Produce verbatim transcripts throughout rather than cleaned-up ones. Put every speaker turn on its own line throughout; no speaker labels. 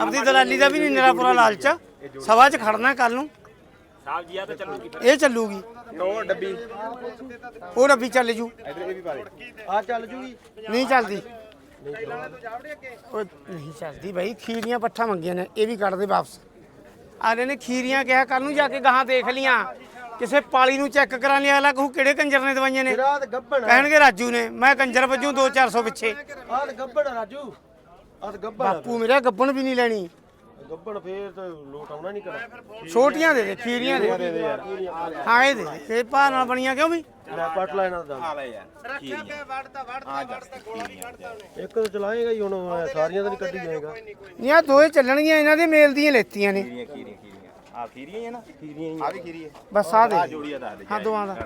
ਆਪਦੀ ਦਲਾਲੀ ਦਾ ਵੀ ਨਹੀਂ ਨਿਰਾ ਪੂਰਾ ਲਾਲਚ ਸਭਾ 'ਚ ਖੜਨਾ ਕੱਲ ਨੂੰ
ਸਾਹਿਬ ਜੀ ਆ ਤਾਂ ਚੱਲੂਗੀ
ਇਹ ਚੱਲੂਗੀ
ਉਹ ਡੱਬੀ
ਉਹ ਡੱਬੀ ਚੱਲ ਜੂ
ਇਧਰ ਇਹ ਵੀ ਪਾ ਦੇ
ਆ ਚੱਲ ਜੂਗੀ
ਨਹੀਂ ਚੱਲਦੀ ਉਹ ਨਹੀਂ ਚੱਲਦੀ ਬਾਈ ਖੀਰੀਆਂ ਪੱਠਾ ਮੰਗੀਆਂ ਨੇ ਇਹ ਵੀ ਕੱਢ ਦੇ ਵਾਪਸ ਆਲੇ ਨੇ ਖੀਰੀਆਂ ਕਿਹਾ ਕੱਲ ਨੂੰ ਜਾ ਕੇ ਗਾਹਾਂ ਦੇਖ ਲੀਆਂ ਕਿਸੇ ਪਾਲੀ ਨੂੰ ਚੈੱਕ ਕਰਾ ਲਿਆ ਅਗਲਾ ਕਹੂ ਕਿਹੜੇ ਕੰਜਰ ਨੇ ਦਵਾਈਆਂ ਨੇ
ਰਾਤ ਗੱਬਣ
ਕਹਿਣਗੇ ਰਾਜੂ ਨੇ ਮੈਂ ਕੰਜਰ ਵੱਜੂ ਦੋ ਚਾਰ ਸੌ ਪਿੱਛੇ
ਆਹ ਗੱਬਣ ਰਾਜੂ ਆਹ ਗੱਬਣ
ਬਾਪੂ ਮੇਰਾ ਗੱਬਣ ਵੀ ਨਹੀਂ ਲੈਣੀ
ਗੱਬਣ ਫੇਰ ਤਾਂ ਲੋਟ ਆਉਣਾ ਨਹੀਂ ਕਰਾ
ਛੋਟੀਆਂ ਦੇ ਦੇ ਖੀਰੀਆਂ ਦੇ ਦੇ ਹਾਂ ਇਹ ਦੇ ਦੇ ਇਹ ਭਾਅ ਨਾਲ ਬਣੀਆਂ ਕਿਉਂ ਵੀ
ਲੈ ਪੱਟ ਲੈ ਇਹਨਾਂ ਦਾ
ਆ ਲੈ ਯਾਰ ਖੀਰੀਆਂ ਆ ਜਾ ਖੀਰੀਆਂ
ਇੱਕ ਤਾਂ ਚਲਾਏਗਾ ਹੀ ਹੁਣ ਸਾਰੀਆਂ ਤਾਂ ਨਹੀਂ ਕੱਢੀ ਜਾਏਗਾ
ਨਹੀਂ ਆ ਦੋਏ ਚੱਲਣਗੀਆਂ ਇਹਨਾਂ ਦੇ ਮੇਲ ਦੀਆਂ ਲੈਤੀਆਂ ਨੇ
ਖੀਰੀਆਂ ਖੀਰੀਆਂ ਖੀਰੀਆਂ ਆ ਖੀਰੀਆਂ ਹੀ ਆ ਨਾ ਖੀਰੀਆਂ ਹੀ ਆ ਵੀ ਖੀਰੀ ਹੈ
ਬਸ ਆ ਦੇ
ਆ ਜੋੜੀਆਂ ਦਾ ਦੇ
ਹਾਂ ਦੋਵਾਂ ਦਾ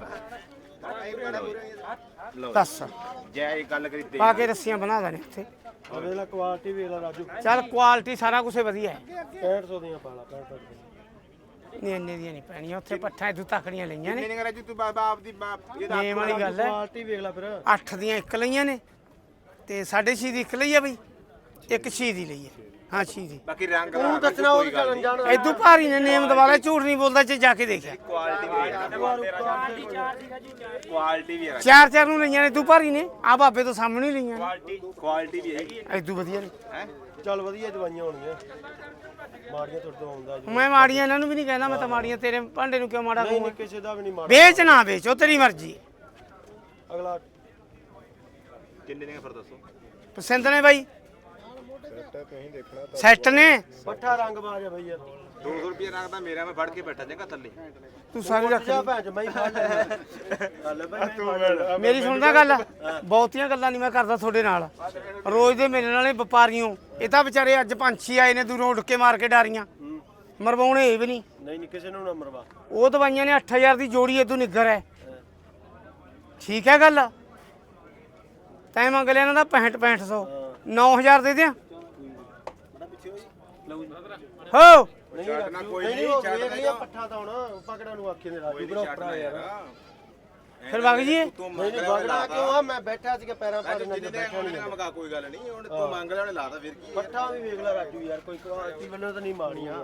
ਲਓ
ਦੱਸ
ਜੈ ਇਹ ਗੱਲ ਕਰੀ ਤੇ
ਪਾ ਕੇ ਰੱਸੀਆਂ ਬਣਾ ਦੇਣੇ ਉੱਥੇ
ਆ ਵੇਖ ਲੈ ਕੁਆਲਿਟੀ ਵੇਖ ਲੈ ਰਾਜੂ
ਚੱਲ ਕੁਆਲਿਟੀ ਸਾਰਾ ਕੁਝ ਵਧੀਆ ਹੈ
ਪੈਂਹਠ ਸੌ ਦੀਆਂ ਪਾਲਾ ਪੈਂਹਠ ਸੌ ਦੀਆਂ
ਨਹੀਂ ਇੰਨੇ ਦੀਆਂ ਨਹੀਂ ਪੈਣੀਆਂ ਉੱਥੇ ਪੱਠਾਂ ਇਦੋਂ ਤੱਕੜੀਆਂ ਲਈਆਂ ਨੇ
ਕਿੰਨੇ ਕਰਾ ਜੀ ਤੂੰ ਬਾਬਾ ਆਪਦੀ ਬਾਪ ਇਹਦਾ
ਨੇਮ ਵਾਲੀ ਗੱਲ ਹੈ
ਕੁਆਲਿਟੀ ਵੇਖ ਲੈ ਫਿਰ
ਅੱਠ ਦੀਆਂ ਇੱਕ ਲਈਆਂ ਨੇ ਤੇ ਸਾਢੇ ਛੇ ਦੀ ਇੱਕ ਲਈ ਆ ਬਈ ਇੱਕ ਛੇ ਦੀ ਲਈ ਹੈ ਹਾਂ ਛੇ ਦੀ
ਬਾਕੀ ਰੰਗ
ਤੂੰ ਦੱਸਣਾ ਉਹ ਚੱਲਣ ਜਾਣ
ਇਦੋਂ ਭਾਰੀ ਨੇ ਨੇਮ ਦਵਾਲਾ ਝੂਠ ਨਹੀਂ ਬੋਲਦਾ ਜੇ ਜਾ ਕੇ ਦੇਖਿਆ
ਕੁਆਲਿਟੀ ਵੀ ਕੁਆਲਿਟੀ ਵੀ ਹੈ
ਚਾਰ ਚਾਰ ਨੂੰ ਲਈਆਂ ਨੇ ਤੂੰ ਭਾਰੀ ਨੇ ਆ ਬਾਬੇ ਤੋਂ ਸਾਹਮਣੇ ਹੀ ਲਈਆਂ
ਕੁਆਲਿਟੀ ਕੁਆਲਿਟੀ ਵੀ ਹੈਗੀ
ਇਦੋਂ ਵਧੀਆ ਨੇ
ਹੈ
ਚੱਲ ਵਧੀਆ ਦਵਾਈਆਂ ਹੋਣਗੀਆਂ ਮਾੜੀਆਂ ਤੁਰ ਤੋਂ ਆਉਂਦਾ ਜੀ
ਮੈਂ ਮਾੜੀਆਂ ਇਹਨਾਂ ਨੂੰ ਵੀ ਨਹੀਂ ਕਹਿੰਦਾ ਮੈਂ ਤਾਂ ਮਾੜੀਆਂ ਤੇਰੇ ਭਾਂਡੇ ਨੂੰ ਕਿਉਂ ਮਾੜਾ
ਨਹੀਂ
ਕਹੂੰਗਾ
ਨਹੀਂ ਕਿਸੇ ਦਾ ਵੀ ਨਹੀਂ ਮਾੜਾ
ਵੇਚ ਨਾ ਵੇਚ ਉਹ ਤੇਰੀ ਮਰਜ਼ੀ
ਅਗਲਾ
ਕਿੰਨੇ ਨੇ ਫਿਰ ਦੱਸੋ
ਪਸੰਦ ਨੇ ਬਾਈ ਸੈੱਟ ਨੇ
ਪੱਠਾ ਰੰਗ ਬਾਜ ਆ ਬਈ ਯਾਰ
ਦੋ ਸੌ ਰੁਪਏ ਰੱਖਦਾ ਮੇਰਾ ਮੈਂ ਫੜ ਕੇ ਬੈਠਾ ਜਗਾ ਥੱਲੇ
ਤੂੰ ਸਾਰੀ ਰੱਖ
ਜਾ
ਲਈ।
ਭੈਣ ਚ ਮੈਂ ਫੜ ਲੈ ਬਈ
ਮੇਰੀ ਸੁਣਦਾ ਗੱਲ ਬਹੁਤੀਆਂ ਗੱਲਾਂ ਨਹੀਂ ਮੈਂ ਕਰਦਾ ਤੁਹਾਡੇ ਨਾਲ ਰੋਜ਼ ਦੇ ਮੇਰੇ ਨਾਲੇ ਵਪਾਰੀਓ ਇਹ ਤਾਂ ਵਿਚਾਰੇ ਅੱਜ ਪੰਛੀ ਆਏ ਨੇ ਦੂਰੋਂ ਉੱਡ ਕੇ ਮਾਰ ਕੇ ਡਾਰੀਆਂ ਮਰਵਾਉਣੇ ਇਹ ਵੀ ਨਹੀਂ
ਨਹੀਂ ਨਹੀਂ ਕਿਸੇ ਨੂੰ ਨਾ ਮਰਵਾ
ਉਹ ਦਵਾਈਆਂ ਨੇ ਅੱਠ ਹਜ਼ਾਰ ਦੀ ਜੋੜੀ ਇਦੋਂ ਨਿੱਗਰ ਹੈ ਠੀਕ ਹੈ ਗੱਲ ਤੈਂ ਮੰਗ ਲਿਆ ਇਹਨਾਂ ਦਾ ਪੈਂਹਠ ਪੈਂਹਠ ਸੌ ਨੌ ਹਜ਼ਾਰ ਦੇ ਦਿਆਂ ਹੋ
ਨਹੀਂ ਰਾਜੂ,
ਕੋਈ
ਨਹੀਂ
ਨਹੀਂ,
ਉਹ
ਛੱਡ
ਵੇਖ
ਦੇ
ਲਿਆ ਪੱਠਾ ਤਾਂ ਹੁਣ ਪਕੜਾਂ ਨੂੰ ਆਖੇ ਨੇ ਰਾਜੂ ਬਰੋ ਭਰਾ ਯਾਰ
ਫਿਰ ਵਗ ਜੀਏ
ਤੂੰ
ਨਹੀਂ ਨਹੀਂ ਵਗੜਾ ਕਿਉਂ ਆ ਮੈਂ ਬੈਠਾ ਸੀਗਾ ਪੈਰਾਂ ਪਰ ਨਾਲ ਬੈਠਾ ਨਹੀਂ
ਮਗਾ ਕੋਈ ਗੱਲ ਨਹੀਂ ਹੁਣ ਤੂੰ ਮੰਗ ਲੈ ਉਹਨੇ ਲਾਤਾ ਫਿਰ ਕੀ
ਪੱਠਾ ਵੀ ਵੇਖ ਲੈ ਰਾਜੂ ਯਾਰ ਕੋਈ ਕੁਆਲਿਟੀ ਵੱਲੋਂ ਤਾਂ ਨਹੀਂ ਮਾੜੀਆਂ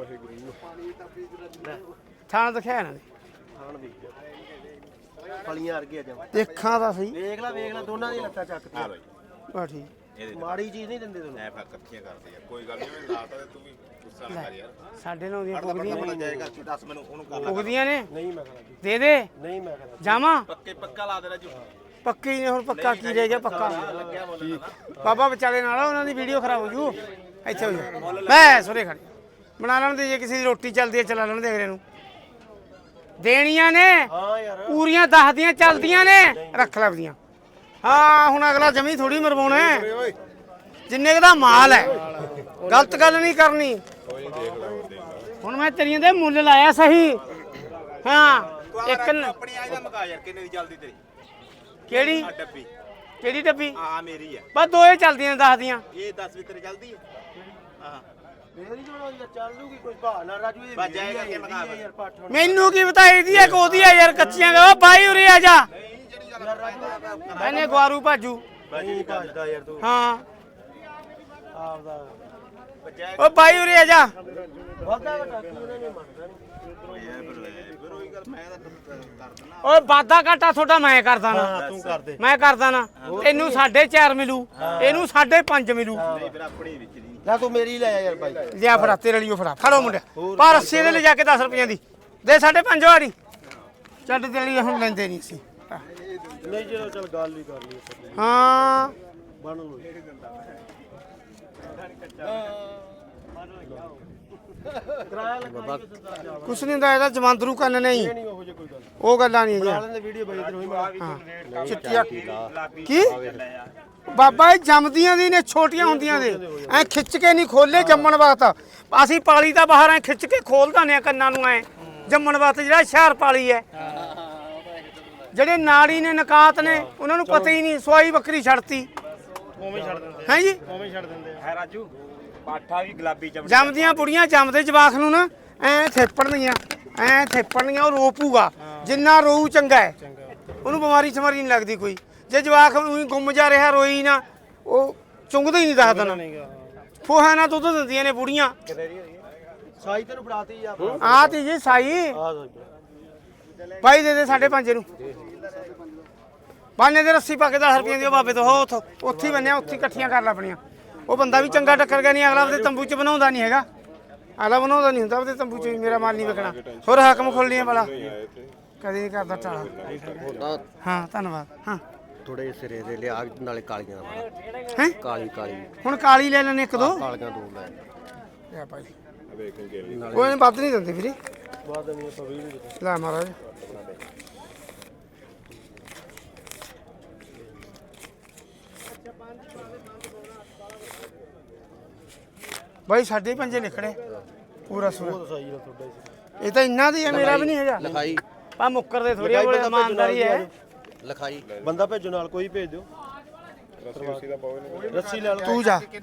ਥਾਣ ਦਿਖਾਇਆ ਇਹਨਾਂ ਨੇ
ਖਾਣ ਵੇਖ ਫਲੀਆਂ ਵਰਗੀਆਂ ਜਮ
ਦੇਖਾਂ ਤਾਂ ਸਹੀ
ਵੇਖ ਲੈ ਵੇਖ ਲੈ ਦੋਨਾਂ ਦੀ ਲੱਤਾਂ ਚੱਕਦੀਆਂ
ਬਾ ਠੀਕ
ਇਹਦੇ
ਮਾੜੀ ਚੀਜ਼ ਨਹੀਂ ਦਿੰਦੇ ਤੁਹਾਨੂੰ
ਐ ਫਿਰ ਇਕੱਠੀਆਂ ਕਰਦੇ ਆ ਕੋਈ ਗੱਲ ਨਹੀਂ ਉਹਨੇ ਲਾਤਾ ਤੇ ਤੂੰ ਵੀ ਗੁੱਸਾ ਨਾ ਕਰ ਯਾਰ
ਸਾਡੇ ਨਾਲ ਦੀਆਂ
ਪੜਦਾ
ਪੁੱਗਦੀਆਂ
ਪੜਦਾ ਜਾਏਗਾ ਤੂੰ ਦੱਸ ਮੈਨੂੰ ਉਹਨੂੰ ਕਰ ਲੈ
ਪੁੱਗਦੀਆਂ ਨੇ
ਨਹੀਂ ਮੈਂ ਕਰਾਂ
ਦੇ ਦੇ
ਨਹੀਂ ਮੈਂ ਕਰਾਂ
ਜਾਵਾਂ
ਪੱਕੇ ਪੱਕਾ ਲਾ ਦੇ ਰਾਜੂ
ਪੱਕੀ ਨੇ ਹੁਣ ਪੱਕਾ ਕੀ ਰਹਿ ਗਿਆ ਪੱਕਾ ਬਾਬਾ ਵਿਚਾਲੇ ਨਾਲ ਉਹਨਾਂ ਦੀ ਵੀਡੀਓ ਖਰਾਬ ਹੋ ਜੂ ਇੱਥੇ ਹੋ ਜੂ ਬੈ ਸੁਰੇ ਖੜੇ ਬਣਾ ਲੈਣ ਦੇ ਜੇ ਕਿਸੇ ਦੀ ਰੋਟੀ ਚੱਲਦੀ ਹੈ ਚਲਾ ਲੈਣ ਦੇ ਅਗਲੇ ਨੂੰ ਦੇਣੀਆਂ ਨੇ
ਹਾਂ ਯਾਰ
ਪੂਰੀਆਂ ਦਸ ਦੀਆਂ ਚੱਲਦੀਆਂ ਨੇ ਰੱਖ ਲੈ ਆਪਦੀਆਂ ਹਾਂ ਹੁਣ ਅਗਲਾ ਜਮੀ ਥੋੜੀ ਮਰਵਾਉਣਾ ਹੈ। ਜਿੰਨੇ ਕੁ ਦਾ ਮਾਲ ਹੈ ਗਲਤ ਗੱਲ ਨਹੀਂ ਕਰਨੀ ਹੁਣ ਮੈਂ ਤੇਰੀਆਂ ਦੇ ਮੁੱਲ ਲਾਇਆ ਸਹੀ ਹਾਂ ਇੱਕ ਨ-
ਆਪਣੀ ਆਈ ਦਾ ਮਗਾ ਯਾਰ ਕਿੰਨੇ ਦੀ ਚੱਲਦੀ ਤੇਰੀ
ਕਿਹੜੀ
ਆ ਡੱਬੀ
ਕਿਹੜੀ ਡੱਬੀ
ਆ ਮੇਰੀ ਆ
ਬਸ ਦੋਏ ਚੱਲਦੀਆਂ ਦਸ ਦੀਆਂ
ਇਹ ਦਸ ਵੀ ਤੇਰੇ ਚੱਲਦੀ ਹੈ ਹਾਂ
ਮੇਰੀ ਜੋ ਯਾਰ ਚੱਲ ਜੂਗੀ ਕੋਈ ਬਹਾਨਾ ਰਾਜੂ ਇਹ
ਬਸ ਜਾਏਗਾ ਕਿ ਮਗਾ
ਯਾਰ ਪੱਠ ਹੁਣ
ਮੈਨੂੰ ਕੀ ਪਤਾ ਇਹਦੀ ਹੈ ਕਿ ਉਹਦੀ ਹੈ ਯਾਰ ਕੱਚੀਆਂ ਗਾ ਬਾਈ ਉਰੇ ਆ ਜਾ
ਯਾਰ ਰਾਜੂ
ਮੈਨੇ ਗਵਾਰੂ ਭਾਜੂ
ਨਹੀਂ ਭੱਜਦਾ ਯਾਰ ਤੂੰ
ਹਾਂ
ਆਪਦਾ
ਓ ਬਾਈ ਉਰੇ ਆ ਜਾ
ਵਾਦਾ ਵਟਾ ਕੀ ਉਹਨੇ ਨਹੀਂ ਮੰਨਦਾ
ਫਿਰ ਉਹੀ ਗੱਲ ਮੈਂ ਤਾਂ ਕਰ ਦਿੰਦਾ
ਓਏ ਵਾਦਾ ਘਾਟਾ ਤੁਹਾਡਾ ਮੈਂ ਕਰਦਾ ਨਾ
ਹਾਂ ਤੂੰ ਕਰ ਦੇ
ਮੈਂ ਕਰਦਾ ਨਾ ਤੈਨੂੰ ਸਾਢੇ ਚਾਰ ਮਿਲੂ ਇਹਨੂੰ ਸਾਢੇ ਪੰਜ ਮਿਲੂ
ਨਹੀਂ ਫਿਰ ਆਪਣੀ ਵਿੱਚ ਦੀ
ਲੈ ਤੂੰ ਮੇਰੀ ਲੈ ਆ ਯਾਰ ਬਾਈ
ਲਿਆ ਫੜਾ ਤੇਰੇ ਲਈ ਉਹ ਫੜਾ ਫੜੋ ਮੁੰਡਿਆ ਪਰ ਅੱਸੀ ਦੇ ਲੈ ਜਾ ਕੇ ਦਸ ਰੁਪਈਆਂ ਦੀ ਦੇ ਸਾਢੇ ਪੰਜ ਵਾਰੀ ਚੱਲ ਤੇਰੇ ਲਈ ਹੁਣ ਲੈਂਦੇ ਨਹੀਂ ਸੀ
ਨਹੀਂ ਚਲੋ ਚੱਲ ਗੱਲ ਹੀ ਕਰ ਲਈ
ਹਾਂ
ਬਣ ਲੋ ਕਿਰਾਇਆ ਲਗਾ
ਕੁਛ ਨਹੀਂ ਹੁੰਦਾ ਇਹਦਾ ਜਮਾਂਦਰੂ ਕੰਨ ਨਹੀਂ
ਨਹੀਂ ਉਹੋ ਜੇ ਕੋਈ ਗੱਲ
ਉਹ ਗੱਲਾਂ ਨਹੀਂ
ਬਣਾ
ਹੈਗੀਆਂ
ਲੈਂਦੇ ਵੀਡੀਓ ਬਾਈ ਇਧਰ ਹੋਈ ਮਾਰ
ਹਾਂ ਚਿੱਟੀਆਂ ਕੀ ਬਾਬਾ ਇਹ ਜੰਮਦੀਆਂ ਦੀ ਨੇ ਛੋਟੀਆਂ ਹੁੰਦੀਆਂ ਦੇ ਐ ਖਿੱਚ ਕੇ ਨਹੀਂ ਖੋਲੇ ਜੰਮਣ ਵਕਤ ਅਸੀਂ ਪਾਲੀ ਤਾਂ ਬਾਹਰ ਐ ਖਿੱਚ ਕੇ ਖੋਲ ਦਿੰਦੇ ਆ ਕੰਨਾਂ ਨੂੰ ਐ ਜੰਮਣ ਵਕਤ ਜਿਹੜਾ ਹੁਸ਼ਿਆਰ ਪਾਲੀ ਐ ਜਿਹੜੇ ਨਾੜੀ ਨੇ ਨਕਾਤ ਨੇ ਉਹਨਾਂ ਨੂੰ ਪਤਾ ਹੀ ਨਹੀਂ ਸਵਾਈ ਬੱਕਰੀ ਛੱਡਤੀ
ਉਵੇਂ ਛੱਡ ਦਿੰਦੇ
ਹੈ ਜੀ
ਉਵੇਂ ਛੱਡ ਦਿੰਦੇ
ਹੈ ਰਾਜੂ ਪਾਠਾ ਵੀ ਗੁਲਾਬੀ ਚਮੜੀ
ਜੰਮਦੀਆਂ ਬੁੜੀਆਂ ਜੰਮਦੇ ਜਵਾਖ ਨੂੰ ਨਾ ਐ ਥੇਪੜਨੀਆਂ ਐ ਥੇਪੜਨੀਆਂ ਉਹ ਰੋਪੂਗਾ ਜਿੰਨਾ ਰੋਊ ਚੰਗਾ ਹੈ ਉਹਨੂੰ ਬਿਮਾਰੀ ਸਮਾਰੀ ਨਹੀਂ ਲੱਗਦੀ ਕੋਈ ਜੇ ਜਵਾਖ ਨੂੰ ਗੁੰਮ ਜਾ ਰਿਹਾ ਰੋਈ ਨਾ ਉਹ ਚੁੰਗਦਾ ਹੀ ਨਹੀਂ ਦੱਸਦਾ ਨਾ ਫੋਹਾ ਨਾਲ ਦੁੱਧ ਦਿੰਦੀਆਂ ਨੇ ਬੁੜੀਆਂ।
ਸਾਈ ਤੈਨੂੰ ਫੜਾਤੀ ਆ
ਆ ਤੀ ਜੀ ਸਾਈ
ਆ
ਬਾਈ ਦੇ ਦੇ ਸਾਢੇ ਪੰਜ ਨੂੰ ਬਾਨੇ ਦੇ ਰੱਸੀ ਪਾ ਕੇ ਦਸ ਰੁਪਏ ਦੀ ਉਹ ਬਾਬੇ ਤੋਂ ਹੋ ਉੱਥੋਂ ਉੱਥੇ ਹੀ ਬੰਨਿਆ ਉੱਥੇ ਹੀ ਇਕੱਠੀਆਂ ਕਰ ਲਾ ਆਪਣੀਆਂ। ਉਹ ਬੰਦਾ ਵੀ ਚੰਗਾ ਟੱਕਰ ਗਿਆ ਨਹੀਂ ਅਗਲਾ ਉਹਦੇ ਤੰਬੂ 'ਚ ਬਣਾਉਂਦਾ ਨਹੀਂ ਹੈਗਾ ਅਗਲਾ ਬਣਾਉਂਦਾ ਨਹੀਂ ਹੁੰਦਾ ਉਹਦੇ ਤੰਬੂ 'ਚ ਵੀ ਮੇਰਾ ਮਾਲ ਨਹੀਂ ਵਿਕਣਾ। ਹੋਰ ਹਾਕਮ ਖੋਲ੍ਹਣੀਆਂ ਵਾਲਾ ਕਦੇ ਨਹੀਂ ਕਰਦਾ ਟਾਲਾ। ਹਾਂ ਧੰਨਵਾਦ। ਹਾਂ
ਥੋੜੇ ਸਿਰੇ ਦੇ ਲਿਆ ਨਾਲੇ ਕਾਲੀਆਂ ਦਾ
ਹੈ
ਕਾਲੀ ਕਾਲੀ
ਹੁਣ ਕਾਲੀ ਲੈ ਲੈਣੇ ਇੱਕ ਦੋ
ਕਾਲੀਆਂ ਦੋ ਲੈ
ਲੈ ਭਾਈ
ਵੇਖ ਕੇ
ਕੋਈ ਨਹੀਂ ਵੱਧ ਨਹੀਂ ਦਿੰਦੇ ਵੀਰੇ
ਬਾਅਦ ਨਹੀਂ ਆਪਾਂ ਵੀ ਨਹੀਂ
ਲੈ ਮਹਾਰਾਜ ਬਾਈ ਸਾਡੇ ਪੰਜੇ ਲਿਖੜੇ ਪੂਰਾ ਸੂਰਾ
ਸਾਈ ਦਾ ਤੁਹਾਡਾ ਹੀ
ਇਹ ਤਾਂ ਇੰਨਾ ਦੀ ਹੈ ਮੇਰਾ ਵੀ ਨਹੀਂ ਹੈਗਾ
ਲਿਖਾਈ
ਆ ਮੁੱਕਰ ਦੇ ਥੋੜੀ ਕੋਲੇ ਇਮਾਨਦਾਰੀ ਹੈ
ਲਿਖਾਈ ਬੰਦਾ ਭੇਜੋ ਨਾਲ ਕੋਈ ਭੇਜ ਦਿਓ
ਰੱਸੀ ਉਸੀ ਦਾ ਪਾਵੇ
ਰੱਸੀ ਲੈ ਲਓ
ਤੂੰ ਜਾ